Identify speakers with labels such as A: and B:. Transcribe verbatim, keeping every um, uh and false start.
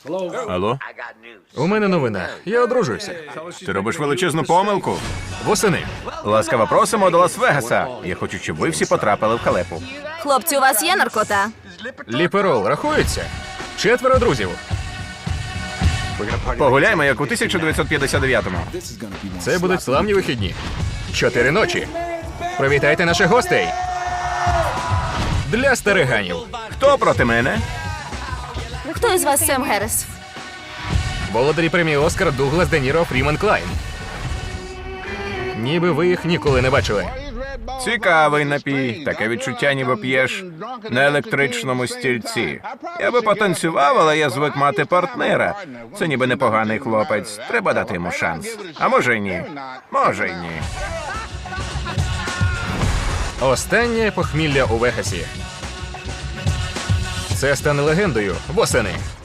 A: Алло?
B: У мене новина. Я одружуюся.
A: Ти робиш величезну помилку.
B: Восени.
A: Ласкаво просимо до Лас-Вегаса. Я хочу, щоб ви всі потрапили в халепу.
C: Хлопці, у вас є наркота?
B: Ліперол рахується? Четверо друзів.
A: Погуляємо, як у тисяча дев'ятсот п'ятдесят дев'ятому.
B: Це будуть славні вихідні. Чотири ночі. Привітайте наших гостей. Для стариганів.
A: Хто проти мене?
C: Хто із вас Сем Геррес?
B: Володарі премії Оскар Дуглас Де Ніро, Фрімен Клайн. Ніби ви їх ніколи не бачили.
A: Цікавий напій. Таке відчуття, ніби п'єш на електричному стільці. Я би потанцював, але я звик мати партнера. Це ніби непоганий хлопець. Треба дати йому шанс. А може й ні. Може й ні.
B: Останнє похмілля у Вегасі. Це стане легендою восени.